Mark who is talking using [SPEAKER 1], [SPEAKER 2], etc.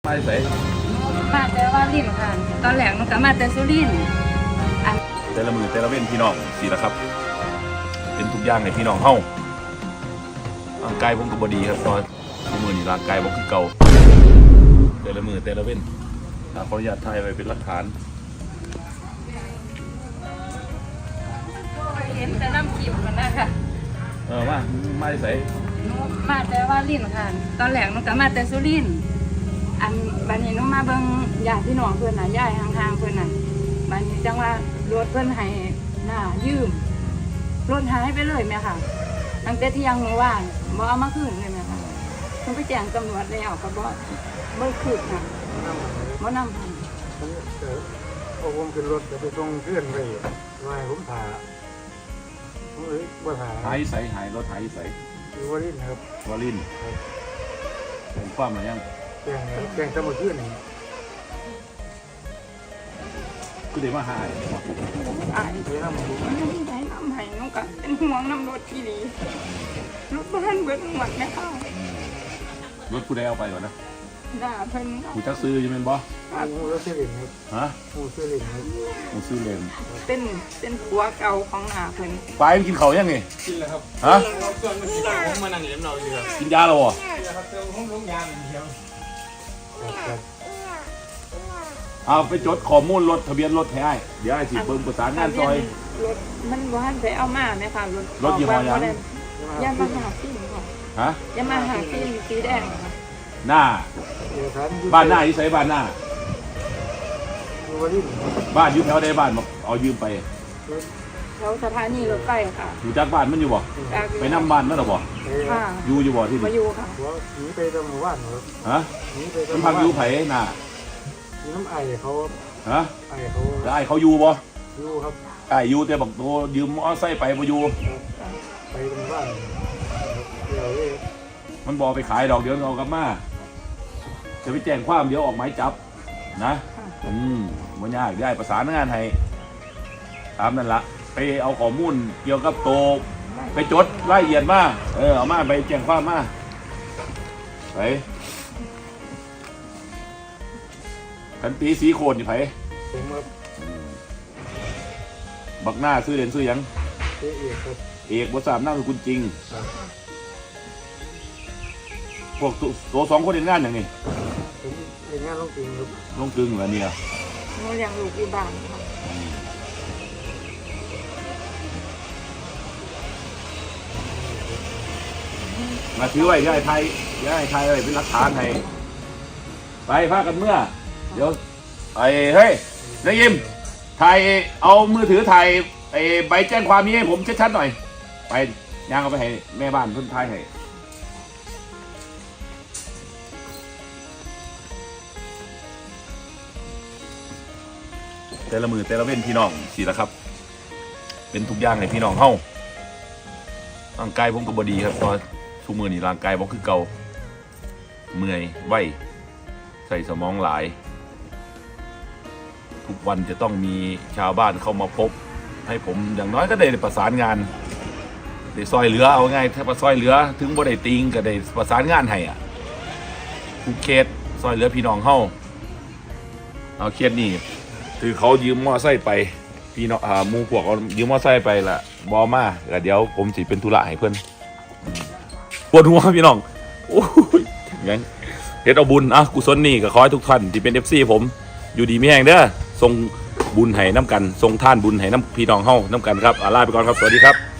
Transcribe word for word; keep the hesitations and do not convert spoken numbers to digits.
[SPEAKER 1] มาใส่
[SPEAKER 2] มาแต่ว่าลิ้นค่ะตอนแรกมันก็มาแต่สุรินทร์อัน
[SPEAKER 1] แต่ละมือแต่ละเว้นพี่น้องสิละครับ เป็นทุกอย่างในพี่น้องเฮาร่างกายผมก็บ่ดีครับตอนทุกมือนี่ร่างกายผมคือเก่าแต่ละมือแต่ละเว้นขออนุญาตถ่ายไว้เป็นหลักฐาน
[SPEAKER 2] เห็นแต่น้ำขิมกันนะคะ
[SPEAKER 1] เออมามาใส่
[SPEAKER 2] มาแต่ว่าลิ้นค่ะตอนแรกมันก็มาแต่สุรินทร์อันบัดนี้น้องมาเบิ่งญาติพี่น้องเพื่อนน่ะย้ายห่างๆเพื่อนน่ะบัดนี้จังว่ารถเพื่อนให้หน้ายืมรถหายไปเลยแม่ค่ะตั้งแต่ที่ยังเมื่อวานบ่เอามาคืนเลยแม่ค่ะต้องไปแจ้งตำรวจแล้วก็บ่บ่คืนค่ะบ่นำผม
[SPEAKER 3] เอาผมขึ้นรถจะไปส่งเพื่อนไปไม่ผมถ่าผมเลยว่าถ่า
[SPEAKER 1] หายใส่หายรถหายใส่
[SPEAKER 3] คือวารินครับ
[SPEAKER 1] วารินผมฟ้ามายัง
[SPEAKER 3] แกงแกงจะมาเพื่อนนี่
[SPEAKER 1] คือเดี๋ยวมาหาย
[SPEAKER 2] อายไปนำผมมันที่ไหนนำให้น้องก็เป็นห่วงนำรถที่ดีรถบ้านเบิดหมดแม่ค่ะ
[SPEAKER 1] รถกูได้เอาไปก่อนนะ
[SPEAKER 2] ด่าเพิ่น
[SPEAKER 1] กูจะซื้อยังเป็นบ่
[SPEAKER 3] มูซื้อเหรียญครับ
[SPEAKER 1] ฮะ
[SPEAKER 3] มูซื้อเหรียญครับ
[SPEAKER 1] มูซื้อเหรียญ
[SPEAKER 2] เป็นเป็นผัวเก่าของหน้าเพิ่น
[SPEAKER 1] ไปกินข้าวยังไง
[SPEAKER 3] กินแล้วครับ
[SPEAKER 1] ฮะ
[SPEAKER 3] ส่วนมันกินผมมานั่งอยู่น้ำเราอยู่ครับ
[SPEAKER 1] กินยาแล้วบ่
[SPEAKER 3] กินแล้วครับเจอห้องลงยาอย่างเดียว
[SPEAKER 1] เอาไปจดข้อมูลรถทะเบียนรถให้เดี๋ยวไอ้สิเบิ่งประสานงานซอย
[SPEAKER 2] รถมันบ่ทันไปเอามาแม่ค่ะรถ
[SPEAKER 1] รถยี่ห้อยัง
[SPEAKER 2] ยามาหาฟิล์มค่ะ
[SPEAKER 1] ฮะ
[SPEAKER 2] ยามาหาฟิล์มสีแดงค่ะ
[SPEAKER 1] หน้าบ้านหน้าที่ใส่บ้านหน้าบ้านอยู่แถวใดบ้านบอกเอายืมไป
[SPEAKER 2] แถวสถานีรถไฟค่ะ
[SPEAKER 1] อยู่จากบ้านมันอยู่บ่ไปนั่งบ้านมันหรอบ่อยู่อยู่บ่ที่นี่
[SPEAKER 2] มาอยู่ค่ะ
[SPEAKER 3] หนีไปตำรวจครับ
[SPEAKER 1] ฮะมันพักอยู่ไผหน้า
[SPEAKER 3] น้ำไอเขา
[SPEAKER 1] ฮะ
[SPEAKER 3] ไอเขา
[SPEAKER 1] แล้วไอเขาอยู่บ่
[SPEAKER 3] อยู่ครับ
[SPEAKER 1] ไออยู่แต่บอกโตยืมมอไซค์ไปบ่อยู่
[SPEAKER 3] ไปตำรวจเดี๋ยวเลย
[SPEAKER 1] มันบอกไปขายดอกเดี๋ยวเอากลับมาจะไปแจ้งความเดี๋ยวออกหมายจับนะอืมมันยากได้ประสานงานให้ตามนั่นละไปเอาข้อมูลเกี่ยวกับโตไปจดรายละเอียดมาเออเอามาไปแจ้งความมาไปขันตีสีโคนอยู่ไผบักหน้าซื้อเด่นซื้อยัง
[SPEAKER 3] เอกครับ
[SPEAKER 1] เอกบทสามนั่งคือคุณจริงพวกตัวสองคนเห็นงานอย่างนี้
[SPEAKER 3] เห็นงานลงกึ่งครับ
[SPEAKER 1] ลงกึ่งเหรอเนี่ย
[SPEAKER 2] หนูเลี้ยงลูกที่บ้านค่ะ
[SPEAKER 1] มาถือไว้ย่ายไทยย่ายไทยอะไรเป็นหลักฐานให้ไปพากันเมื่อเดี๋ยวไอ้เฮ้ยนายยิมถ่ายเอามือถือถ่ายไอ้ใบแจ้งความนี้ให้ผมชัดๆหน่อยไปย่างเอาไปให้แม่บ้านเพิ่นถ่ายให้แต่ละมือแต่ละเว้นพี่น้องสิละครับเป็นทุกอย่างในพี่น้องเฮาร่างกายผมก็บ่ดีครับตอนทุกมือนี่ร่างกายผมคือเก่าเมื่อยไหวใส่สมองหลายทุกวันจะต้องมีชาวบ้านเข้ามาพบให้ผมอย่างน้อยก็ได้ประสานงานได้ซอยเหลือเอาไงถ้าประซอยเหลือถึงบ่ได้ติงก็ได้ประสานงานให้อ่ะทุกเคสซอยเหลือพี่น้องเฮาเอาเคสนี่คือเขายืมมอไซค์ไปพี่น้องอ่ามูพวกเขายืมมอไซค์ไปละบอมาแต่เดี๋ยวผมสิเป็นธุระให้เพื่อนปวดหัวพี่น้องโอ้ยงั้นเฮ็ดเอาบุญอ่ะกุศลนี่ก็ขอให้ทุกท่านที่เป็น เอฟ ซี ผมอยู่ดีมีแห่งเด้อส่งบุญให้น้ำกันส่งท่านบุญให้น้ำพี่น้องเฮาน้ำกันครับลาไปก่อนครับสวัสดีครับ